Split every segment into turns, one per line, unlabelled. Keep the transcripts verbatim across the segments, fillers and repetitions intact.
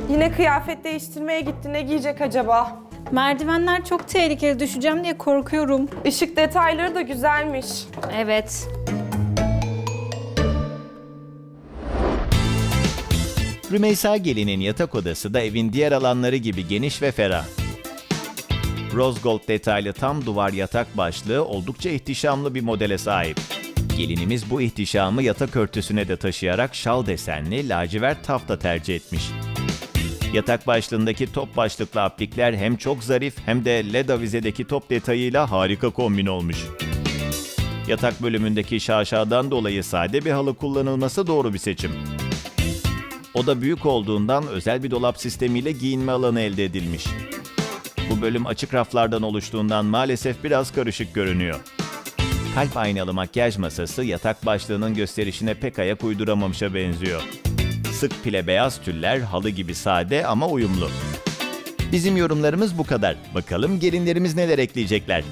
Yine kıyafet değiştirmeye gitti. Ne giyecek acaba?
Merdivenler çok tehlikeli, düşeceğim diye korkuyorum.
Işık detayları da güzelmiş.
Evet.
Rümeysa Gelin'in yatak odası da evin diğer alanları gibi geniş ve ferah. Rose gold detaylı tam duvar yatak başlığı oldukça ihtişamlı bir modele sahip. Gelinimiz bu ihtişamı yatak örtüsüne de taşıyarak şal desenli lacivert tafta tercih etmiş. Yatak başlığındaki top başlıklı aplikler hem çok zarif hem de led avizedeki top detayıyla harika kombin olmuş. Yatak bölümündeki şaşadan dolayı sade bir halı kullanılması doğru bir seçim. Oda büyük olduğundan özel bir dolap sistemiyle giyinme alanı elde edilmiş. Bu bölüm açık raflardan oluştuğundan maalesef biraz karışık görünüyor. Kalp aynalı makyaj masası yatak başlığının gösterişine pek ayak uyduramamışa benziyor. Sık pile beyaz tüller halı gibi sade ama uyumlu. Bizim yorumlarımız bu kadar. Bakalım gelinlerimiz neler ekleyecekler.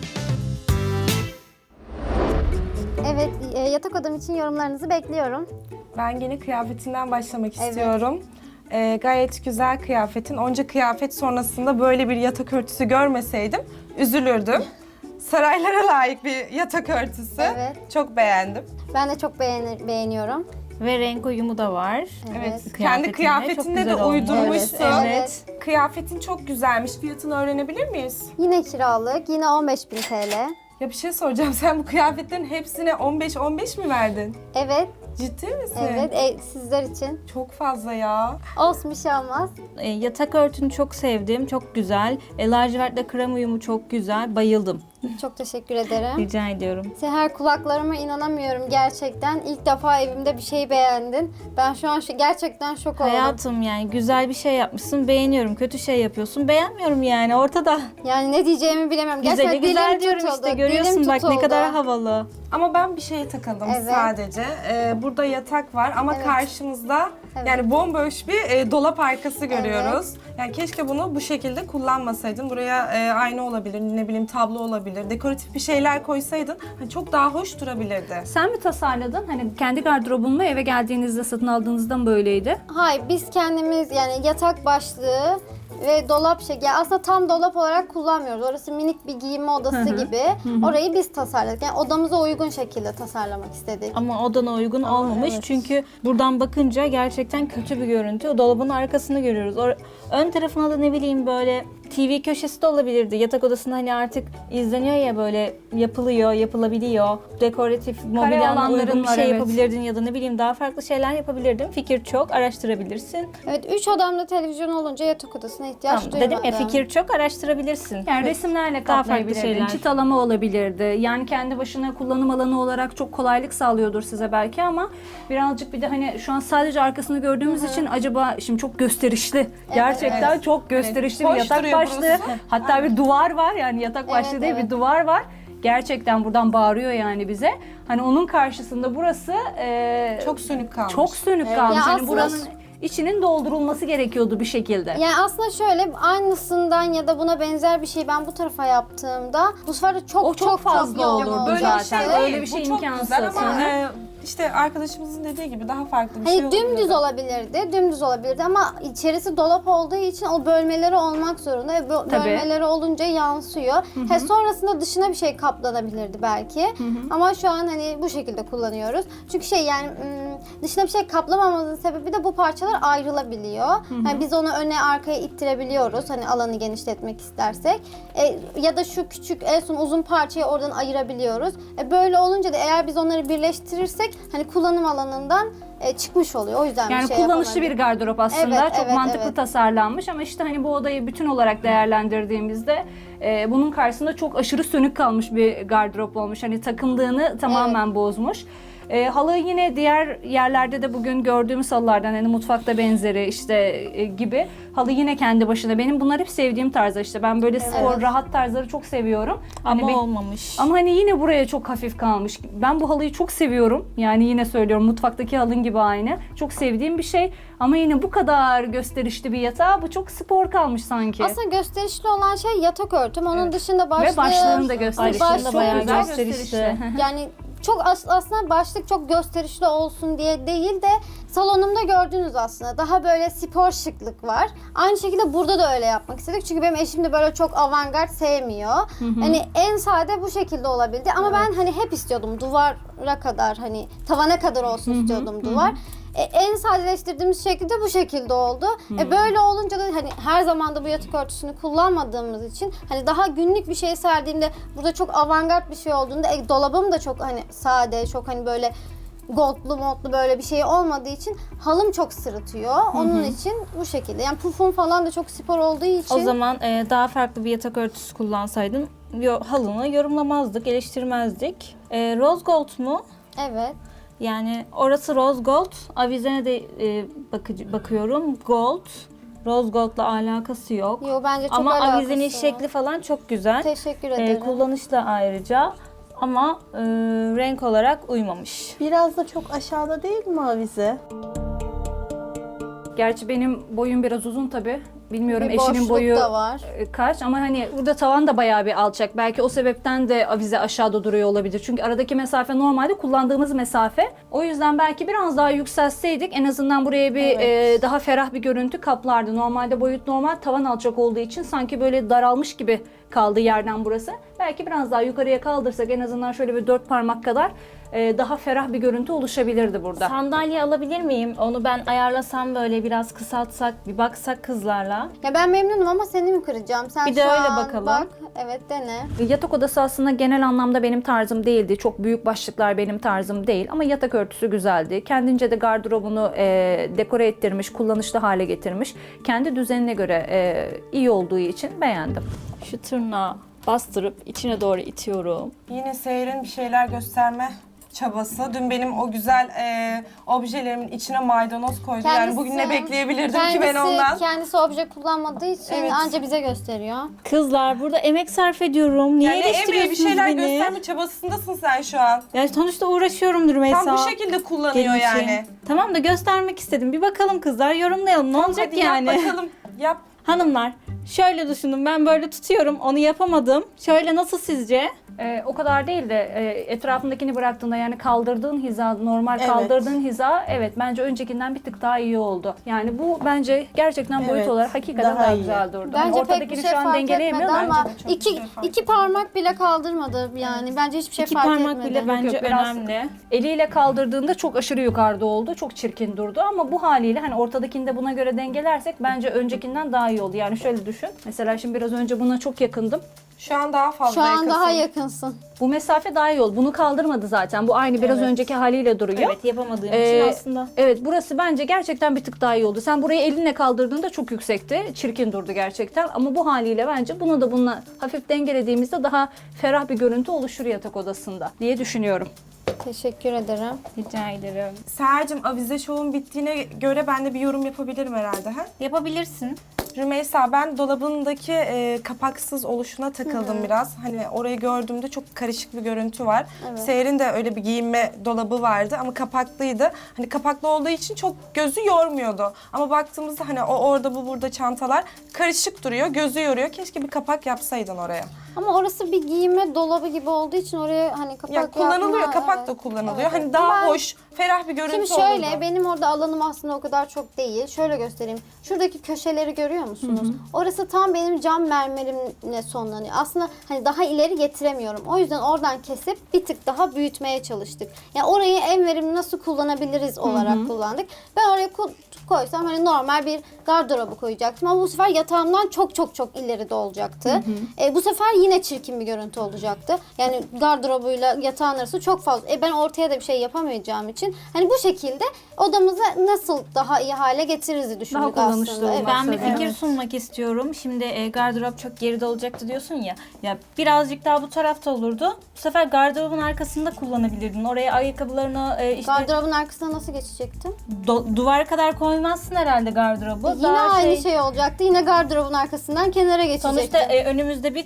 Evet, e, yatak odam için yorumlarınızı bekliyorum.
Ben yine kıyafetinden başlamak
Evet.
istiyorum. Ee, gayet güzel kıyafetin. Onca kıyafet sonrasında böyle bir yatak örtüsü görmeseydim üzülürdüm. Saraylara layık bir yatak örtüsü.
Evet.
Çok beğendim.
Ben de çok beğenir, beğeniyorum.
Ve renk uyumu da var.
Evet.
Kıyafetine
Kendi
çok
kıyafetinde de
güzel olmuş.
uydurmuşsun.
Evet.
Kıyafetin çok güzelmiş. Fiyatını öğrenebilir miyiz?
Yine kiralık, yine on beş bin T L.
Ya bir şey soracağım. Sen bu kıyafetlerin hepsine on beş on beş mi verdin?
Evet,
Ciddi misin?
evet, e, sizler için.
Çok fazla ya.
Olsun, bir şey olmaz.
E, yatak örtünü çok sevdim, çok güzel. E, lacivertle krem uyumu çok güzel, bayıldım.
Çok teşekkür ederim.
Rica ediyorum.
Seher, kulaklarıma inanamıyorum gerçekten. İlk defa evimde bir şey beğendin. Ben şu an şu, gerçekten şok oldum.
Hayatım yani güzel bir şey yapmışsın, beğeniyorum. Kötü şey yapıyorsun, beğenmiyorum yani ortada.
Yani ne diyeceğimi bilemiyorum.
Güzeli
Gerçekten
güzel
dilim
diyorum
tutuldu,
işte, görüyorsun
dilim
bak ne
tutuldu.
kadar havalı.
Ama ben bir şeye takıldım
Evet.
sadece. Ee, burada yatak var ama
Evet.
karşımızda
Evet.
yani bomboş bir e, dolap arkası görüyoruz. Yani keşke bunu bu şekilde kullanmasaydın. Buraya e, ayna olabilir, ne bileyim tablo olabilir, dekoratif bir şeyler koysaydın hani çok daha hoş durabilirdi.
Sen mi tasarladın? Hani kendi gardırobun mu eve geldiğinizde satın aldığınızda mı böyleydi?
Hayır, biz kendimiz yani yatak başlığı ve dolap şekli. Yani aslında tam dolap olarak kullanmıyoruz. Orası minik bir giyinme odası gibi. Orayı biz tasarladık. Yani odamıza uygun şekilde tasarlamak istedik.
Ama odana uygun olmamış
evet.
çünkü buradan bakınca gerçekten kötü bir görüntü. O dolabın arkasını görüyoruz. O, ön tarafına da ne bileyim böyle T V köşesi de olabilirdi. Yatak odasında hani artık izleniyor ya böyle yapılıyor, yapılabiliyor. Dekoratif, mobilyanla
alanların
uygun bir
var,
şey
evet.
yapabilirdin ya da ne bileyim daha farklı şeyler yapabilirdin. Fikir çok, araştırabilirsin.
Evet, üç odamda televizyon olunca yatak odasına ihtiyaç
Tamam,
duymadım.
dedim ya fikir çok, araştırabilirsin.
Yani resimlerle
Daha farklı
kaplayabilirdin,
şeyler.
çıtalama olabilirdi. Yani kendi başına kullanım alanı olarak çok kolaylık sağlıyordur size belki ama birazcık bir de hani şu an sadece arkasını gördüğümüz için acaba şimdi çok gösterişli. Gerçekten çok gösterişli
Evet.
bir
Hoş
yatak
duruyor
başlığı.
burası.
Hatta bir duvar var yani yatak başlığı
Evet,
değil
evet.
bir duvar var. Gerçekten buradan bağırıyor yani bize. Hani onun karşısında burası e,
Çok sönük kalmış.
çok sönük kalmış.
Ya
Hani
aslında-
buranın içinin doldurulması gerekiyordu bir şekilde.
Yani aslında şöyle aynısından ya da buna benzer bir şey ben bu tarafa yaptığımda bu sefer de çok
O çok fazla
yoğun
olurdu
olacak.
zaten.
şey
Öyle
değil,
bir şey
bu çok
imkansız.
güzel ama
Hı hı.
e, işte arkadaşımızın dediği gibi daha farklı bir şey
Hani
olabilirdi.
dümdüz olabilirdi, dümdüz olabilirdi ama içerisi dolap olduğu için o bölmeleri olmak zorunda. ve bu
Tabii.
Bölmeleri olunca yansıyor. He, sonrasında dışına bir şey kaplanabilirdi belki. Ama şu an hani bu şekilde kullanıyoruz. Çünkü şey yani ım, dışına bir şey kaplamamamızın sebebi de bu parçalar ayrılabiliyor. Yani biz onu öne arkaya ittirebiliyoruz. Hani alanı genişletmek istersek. E, ya da şu küçük en son uzun parçayı oradan ayırabiliyoruz. E, böyle olunca da eğer biz onları birleştirirsek hani kullanım alanından e, çıkmış oluyor. O yüzden
Yani
bir şey
kullanışlı bir
yapamadık.
gardırop aslında.
Evet,
Çok
evet,
mantıklı
evet.
tasarlanmış ama işte hani bu odayı bütün olarak değerlendirdiğimizde e, bunun karşısında çok aşırı sönük kalmış bir gardırop olmuş. Hani takımlığını tamamen bozmuş. E, halı yine diğer yerlerde de bugün gördüğümüz halılardan hani mutfakta benzeri işte e, gibi halı yine kendi başına. Benim bunlar hep sevdiğim tarzlar işte. Ben böyle spor,
Evet.
rahat tarzları çok seviyorum.
Ama
Hani bir-
olmamış.
ama hani yine buraya çok hafif kalmış. Ben bu halıyı çok seviyorum. Yani yine söylüyorum mutfaktaki halın gibi aynı. Çok sevdiğim bir şey. Ama yine bu kadar gösterişli bir yatağa bu çok spor kalmış sanki.
Aslında gösterişli olan şey yatak örtüm. Onun dışında başlığı...
Ve başlığını da gösterişli.
Başlığı
da bayağı
çok
gösterişli.
Yani çok as- aslında başlık çok gösterişli olsun diye değil de salonumda gördüğünüz aslında daha böyle spor şıklık var. Aynı şekilde burada da öyle yapmak istedik. Çünkü benim eşim de böyle çok avantgard sevmiyor. Hani en sade bu şekilde olabildi ama ben hani hep istiyordum duvara kadar hani tavana kadar olsun istiyordum duvar. E, en sadeleştirdiğimiz şekilde bu şekilde oldu. E, böyle olunca da hani her zaman da bu yatak örtüsünü kullanmadığımız için hani daha günlük bir şey serdiğimde burada çok avantgard bir şey olduğunda e, dolabım da çok hani sade, çok hani böyle goldlu modlu böyle bir şey olmadığı için halım çok sırıtıyor. Onun için bu şekilde. Yani pufum falan da çok spor olduğu için.
O zaman e, daha farklı bir yatak örtüsü kullansaydın yo, halını yorumlamazdık, eleştirmezdik. E, rose gold mu?
Evet.
Yani orası rose gold. Avizene de e, bakıcı, bakıyorum. Gold. Rose gold'la alakası yok.
Yo bence çok
Ama
alakası
avizenin
var.
şekli falan çok güzel.
Teşekkür
E,
ederim.
kullanış da ayrıca. Ama e, renk olarak uymamış.
Biraz da çok aşağıda değil mi avize?
Gerçi benim boyum biraz uzun tabii. Bilmiyorum
Bir
eşinin
boşluk
boyu
da var.
e, kaç ama hani burada tavan da bayağı bir alçak. Belki o sebepten de avize aşağıda duruyor olabilir. Çünkü aradaki mesafe normalde kullandığımız mesafe. O yüzden belki biraz daha yükseltseydik en azından buraya bir e, daha ferah bir görüntü kaplardı. Normalde boyut normal, tavan alçak olduğu için sanki böyle daralmış gibi kaldı yerden burası. Belki biraz daha yukarıya kaldırsak en azından şöyle bir dört parmak kadar e, daha ferah bir görüntü oluşabilirdi burada.
Sandalye alabilir miyim? Onu ben ayarlasam böyle biraz kısaltsak, bir baksak kızlarla.
Ya ben memnunum ama seni mi kıracağım? Sen
Bir de
şu
öyle
an
bakalım.
Bak, evet dene.
Yatak odası aslında genel anlamda benim tarzım değildi. Çok büyük başlıklar benim tarzım değil ama yatak örtüsü güzeldi. Kendince de gardırobunu e, dekore ettirmiş, kullanışlı hale getirmiş. Kendi düzenine göre e, iyi olduğu için beğendim.
Şu tırnağı bastırıp içine doğru itiyorum.
Yine Seher'in bir şeyler gösterme çabası. Dün benim o güzel e, objelerimin içine maydanoz koydu. yani bugün ne bekleyebilirdim ki ben ondan?
Kendisi obje kullanmadığı için
Evet.
anca bize gösteriyor.
Kızlar burada emek sarf ediyorum. Niye
Yani emeği
eleştiriyorsunuz
bir şeyler
beni?
gösterme çabasındasın sen şu an.
Yani sonuçta uğraşıyorumdur Rümeysa.
Tam bu şekilde kullanıyor
Gelin için.
yani.
Tamam da göstermek istedim. Bir bakalım kızlar, yorumlayalım. Ne olacak
Hadi
yani?
yap bakalım. Yap.
Hanımlar, şöyle düşünün. Ben böyle tutuyorum. Onu yapamadım. Şöyle nasıl sizce?
Ee, o kadar değil de e, etrafındakini bıraktığında yani kaldırdığın hiza, normal
Evet.
kaldırdığın hiza evet bence öncekinden bir tık daha iyi oldu. Yani bu bence gerçekten boyut
Evet,
olarak hakikaten
daha
daha,
iyi.
güzel durdu. Hani
Bence pek bir
ortadakini
şey
şu an
fark etmedi
dengeleyemiyor
ama
bence.
çok
iki,
bir şey fark
iki parmak bile kaldırmadı yani. Bence hiçbir şey
İki
fark
parmak
etmedi.
bile bence
Yok, biraz-
önemli.
Eliyle kaldırdığında çok aşırı yukarıda oldu. Çok çirkin durdu ama bu haliyle hani ortadakini de buna göre dengelersek bence öncekinden daha iyi oldu. Yani şöyle düşün. Mesela şimdi biraz önce buna çok yakındım.
Şu an daha fazla
Şu an
yakınsın.
daha yakınsın.
Bu mesafe daha iyi oldu. Bunu kaldırmadı zaten. Bu aynı biraz önceki haliyle duruyor.
Evet, yapamadığım
Ee,
için aslında.
Evet, burası bence gerçekten bir tık daha iyi oldu. Sen burayı elinle kaldırdığında çok yüksekti. Çirkin durdu gerçekten. Ama bu haliyle bence bunu da bununla hafif dengelediğimizde daha ferah bir görüntü oluşur yatak odasında diye düşünüyorum.
Teşekkür ederim.
Rica ederim.
Seher'cim avize şovun bittiğine göre ben de bir yorum yapabilirim herhalde. Ha?
Yapabilirsin.
Rümeysa ben dolabındaki e, kapaksız oluşuna takıldım biraz. Hani orayı gördüğümde çok karışık bir görüntü var.
Evet.
Seher'in de öyle bir giyinme dolabı vardı ama kapaklıydı. Hani kapaklı olduğu için çok gözü yormuyordu. Ama baktığımızda hani o orada bu burada çantalar karışık duruyor, gözü yoruyor. Keşke bir kapak yapsaydın oraya.
Ama orası bir giyinme dolabı gibi olduğu için oraya hani kapak
Ya kullanılıyor,
yapma,
kapak
evet.
da kullanılıyor.
Evet,
Hani
evet.
daha
Ben-
hoş, ferah bir görüntü
Şimdi şöyle,
olurdu.
benim orada alanım aslında o kadar çok değil. Şöyle göstereyim. Şuradaki köşeleri görüyor musunuz? Orası tam benim cam mermerimle sonlanıyor. Aslında hani daha ileri getiremiyorum. O yüzden oradan kesip bir tık daha büyütmeye çalıştık. Yani orayı en verimli nasıl kullanabiliriz olarak kullandık. Ben oraya ku- koysam hani normal bir gardırobu koyacaktım ama bu sefer yatağımdan çok çok çok ileride olacaktı. E, bu sefer yine çirkin bir görüntü olacaktı. Yani gardırobuyla yatağın arası çok fazla. E, ben ortaya da bir şey yapamayacağım için hani bu şekilde odamızı nasıl daha iyi hale getiririz düşündük
kullanışlı
aslında.
olmak.
Evet.
Ben bir
Evet.
fikir sunmak istiyorum. Şimdi e, gardırop çok geride olacaktı diyorsun ya. Ya birazcık daha bu tarafta olurdu. Bu sefer gardırobun arkasında kullanabilirdin. Oraya ayakkabılarını e, işte
Gardırobun arkasına nasıl geçecektim?
do- duvara kadar koymazsın herhalde gardırobu.
Yine
Daha
aynı şey... olacaktı. Yine gardırobun arkasından kenara geçecektim.
Sonuçta e, önümüzde bir gardırop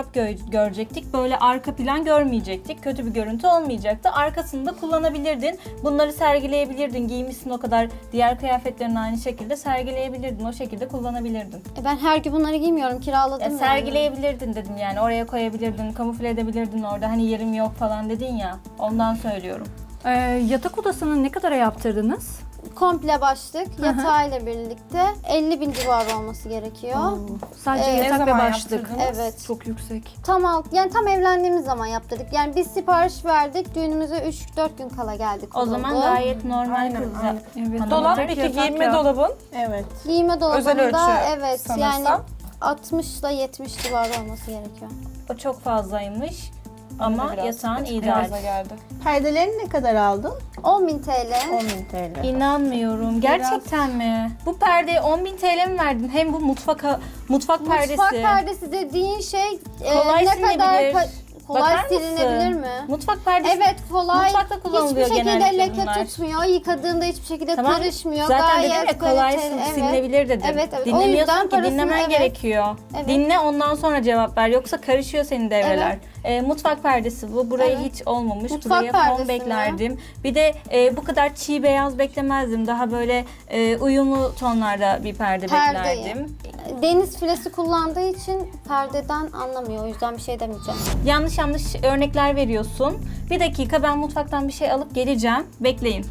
gardırop gö- görecektik. Böyle arka plan görmeyecektik. Kötü bir görüntü olmayacaktı. Arkasını da kullanabilirdin. Bunları sergileyebilirdin. Giymişsin o kadar. Diğer kıyafetlerini aynı şekilde sergileyebilirdin. O şekilde kullanabilirdin.
E ben her gün bunları giymiyorum, kiraladım
Ya
yani.
sergileyebilirdin dedim yani. Oraya koyabilirdin, kamufle edebilirdin orada. Hani yerim yok falan dedin ya. Ondan söylüyorum.
Ee, yatak odasını ne kadara yaptırdınız?
Komple başlık, yatağıyla birlikte elli bin civarı olması gerekiyor.
Sadece
Evet.
Ne
yatak ve
zaman
başlık.
yaptırdınız?
Evet.
Çok yüksek.
Tam alt, yani tam evlendiğimiz zaman yaptırdık. Yani biz sipariş verdik, düğünümüze üç dört gün kala geldik.
O zaman
kuruldu.
gayet normal
Aynen,
kızlar.
aynen.
Evet.
Hanım
Dolap
tek
peki
yatak
giyinme
ya.
dolabın
Evet.
Giyime
özel ölçü
dolabında evet
sanırsam.
yani altmış ile yetmiş civarı olması gerekiyor.
O çok fazlaymış. Ama
Bana da biraz
yatağın
açık
ideal.
fazla geldi.
Perdelerini ne kadar aldın?
on bin T L.
on bin T L.
İnanmıyorum. Gerçekten mi? Bu perdeye on bin T L mi verdin? Hem bu mutfak mutfak perdesi.
Mutfak perdesi dediğin şey e,
Kolay
ne
silinebilir.
kadar ka- kolay
Bakar mısın?
silinebilir mi?
Mutfak perdesi.
Evet kolay.
Mutfakta kullanılıyor
hiçbir şekilde
genellikle
leke
bunlar.
tutmuyor. Yıkadığında hiçbir şekilde
Tamam.
karışmıyor.
Zaten
Gayet
dedim ya kolay
kaliteli,
sil-
evet.
silinebilir dedim.
Evet, evet. O
Dinlemiyorsun
yüzden
ki
parasını,
dinlemen
evet.
gerekiyor.
Evet.
Dinle ondan sonra cevap ver. Yoksa karışıyor senin devreler.
Evet.
Ee, mutfak perdesi bu. Burayı
Evet.
hiç olmamış.
Mutfak
Buraya
perdesi
fon
mi?
beklerdim. Bir de e, bu kadar çiğ beyaz beklemezdim. Daha böyle e, uyumlu tonlarda bir perde
Perdeyi.
beklerdim.
Deniz filesi kullandığı için perdeden anlamıyor. O yüzden bir şey demeyeceğim.
Yanlış yanlış örnekler veriyorsun. Bir dakika, ben mutfaktan bir şey alıp geleceğim. Bekleyin.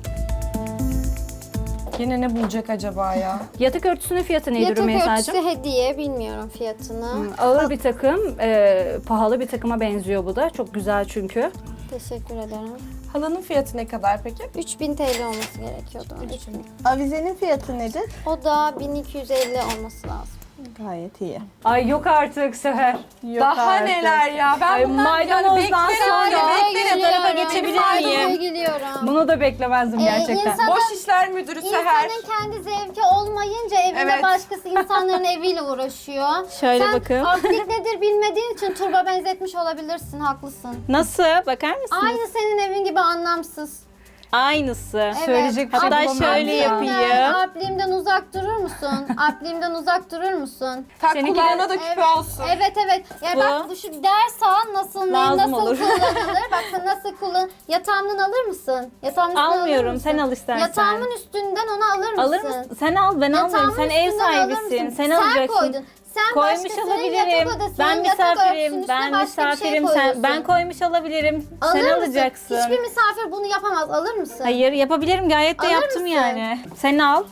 Yine ne bulacak acaba ya?
Yatak örtüsünün fiyatı neydi
Yatak
Rümeysa'cığım?
örtüsü hediye, bilmiyorum fiyatını.
Ağır bir takım, e, pahalı bir takıma benziyor bu da. Çok güzel çünkü.
Teşekkür ederim.
Halının fiyatı ne kadar peki?
üç bin T L olması gerekiyordu. üç bin.
Avizenin fiyatı nedir?
O da bin iki yüz elli olması lazım.
Gayet iyi.
Ay yok artık Seher.
Yok
Daha
artık.
neler ya? Ben
Ay,
bundan yani
maydanozdan
beklerim
sonra-
ya.
Maydanoza
Beklerim.
tarafa
geliyorum.
geçebilir
Maydanoza
miyim?
geliyorum.
Bunu da beklemezdim
Ee,
gerçekten.
insan-
Boş işler müdürü Seher.
İnsanın kendi zevki olmayınca evinde
Evet.
başkası insanların eviyle uğraşıyor.
Şöyle
Sen
bakın.
aplik nedir bilmediğin için turba benzetmiş olabilirsin, haklısın.
Nasıl? Bakar mısınız?
Aynı senin evin gibi anlamsız.
Aynısı.
Söyleyecek bir şey
Hatta
bulamıyorum
şöyle
şu an.
yapayım.
Apliğimden uzak durur musun? Apliğimden uzak durur musun?
Tak
Seninki
kulağına
de-
da küpe
Evet.
olsun.
Evet evet. Ya
Bu-
bak bu şu ders al nasıl neyi
Lazım
nasıl
olur.
kullanılır? Bak sen nasıl kullan. Yatağımdan alır mısın? Yatağımın üstünden alır
Almıyorum.
mısın?
Sen al istersen.
Yatağımın üstünden onu alır mısın?
Alır mısın? Sen al, ben almıyorum.
Yatağımın
Sen ev
üstünden alır
sahibisin.
mısın?
Sen alacaksın.
koydun. Sen
Koymuş
başkasının
olabilirim.
yatak odasının
Ben
yatak örtüsünün
misafirim.
üstüne
Ben
başka bir şey
misafirim. Sen
koyuyorsun.
ben koymuş olabilirim.
Alır
Sen
mısın?
alacaksın.
Hiçbir misafir bunu yapamaz. Alır mısın?
Hayır, yapabilirim. Gayet de
Alır
yaptım
mısın?
yani. Sen al.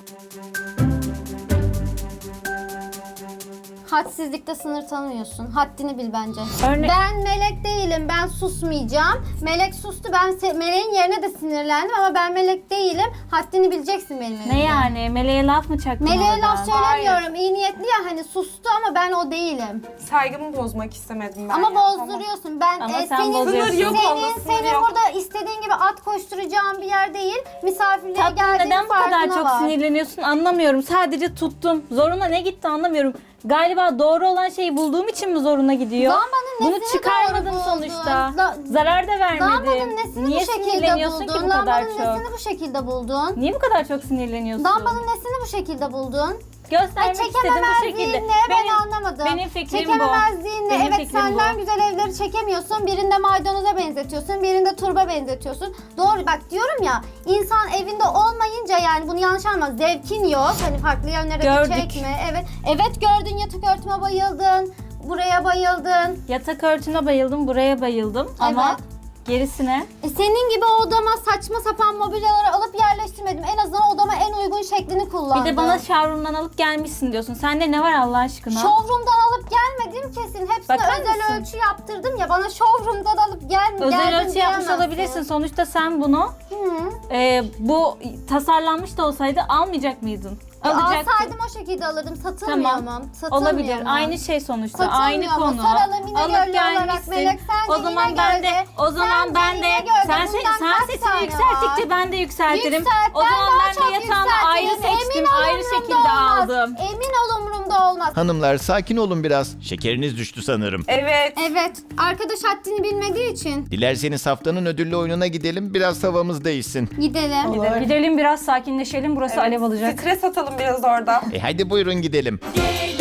Hadsizlikte sınır tanımıyorsun. Haddini bil bence.
Örne-
Ben melek değilim. Ben susmayacağım. Melek sustu. Ben se- meleğin yerine de sinirlendim ama ben melek değilim. Haddini bileceksin benim elimden.
Ne yani? Meleğe laf mı çaktın
Meleğe
oradan?
laf söylemiyorum. İyi niyetli ya hani sustu ama ben o değilim.
Saygımı bozmak istemedim ben
ama
ya.
bozduruyorsun. Ben
Ama
e,
sen
senin,
bozuyorsun.
Sınır yok
senin,
onda, sınır
senin
yok.
burada istediğin gibi at koşturacağın bir yer değil. Misafirliğe
Tatlım,
geldiğin
neden bu kadar
farkına
çok
var.
sinirleniyorsun anlamıyorum. Sadece tuttum. Zoruna ne gitti anlamıyorum. Galiba doğru olan şeyi bulduğum için mi zoruna gidiyor?
Lambanın
Bunu
nesini
çıkarmadım
doğru buldun?
sonuçta.
La-
Zarar da vermedim.
Lambanın nesini
Niye
bu şekilde
sinirleniyorsun
buldun?
ki bu kadar
Lambanın
çok?
nesini bu şekilde buldun?
Niye bu kadar çok sinirleniyorsun?
Lambanın nesini bu şekilde buldun?
Göstermek
Ay
istedim bu
çekememezliğin
şekilde.
ne? Ben
Benim-
anlamadım.
benim fikrim bu.
Çekememezliğin ne?
Benim
Evet
fikrim
senden
bu.
güzel evleri çekemiyorsun. Birinde maydanoza benzetiyorsun. Birinde turba benzetiyorsun. Doğru bak diyorum ya. İnsan evinde olmayınca yani bunu yanlış anlama. Zevkin yok. Hani farklı yönlere
Gördük.
de çekme. Evet. Evet gördün yatak örtüme bayıldın. Buraya bayıldın.
Yatak örtüne bayıldım, buraya bayıldım ama
Evet.
gerisine
E senin gibi odama saçma sapan mobilyaları alıp yerleştirmedim. En azından odama en uygun şeklini kullandım.
bir de bana showroom'dan alıp gelmişsin diyorsun. Sende ne var Allah aşkına?
Showroom'dan alıp gelmedim kesin. Hepsine
Bakar
özel
mısın?
ölçü yaptırdım ya. Bana showroom'dan alıp gel
Özel
geldim
ölçü yapmış
diyemezsin.
olabilirsin. Sonuçta sen bunu
Hı.
e, bu tasarlanmış da olsaydı almayacak mıydın?
E,
Alacaktın.
alsaydım o şekilde alırdım. Satılmıyor
Tamam.
mu? Satılmıyor
Olabilir.
mu?
Aynı şey sonuçta.
Satılmıyor
Aynı
mu?
konu.
Soralım İnegöl'lü
Alıp
olarak
gelmişsin.
Melek. Sence
O zaman
İnegöl'de-
ben de o zaman
sence
ben de
İnegöl'de
sen
bundan
sen
kaç
sesini
tane
yükselttikçe
var?
ben de yükseltirim.
Yükselt.
O zaman
daha
ben
çok
de yatağımı ayrı
yükseltirim.
seçtim,
Emin ol
ayrı
umurumda
şekilde
olmaz.
aldım.
Emin ol umurumda olmaz.
Hanımlar sakin olun biraz. Şekeriniz düştü sanırım.
Evet.
Evet. Arkadaş haddini bilmediği için
Dilerseniz haftanın ödüllü oyununa gidelim. Biraz havamız değişsin.
gidelim.
Olur.
Gidelim biraz sakinleşelim. Burası alev alacak.
Stres atalım biraz orada.
E hadi buyurun gidelim.
Gelin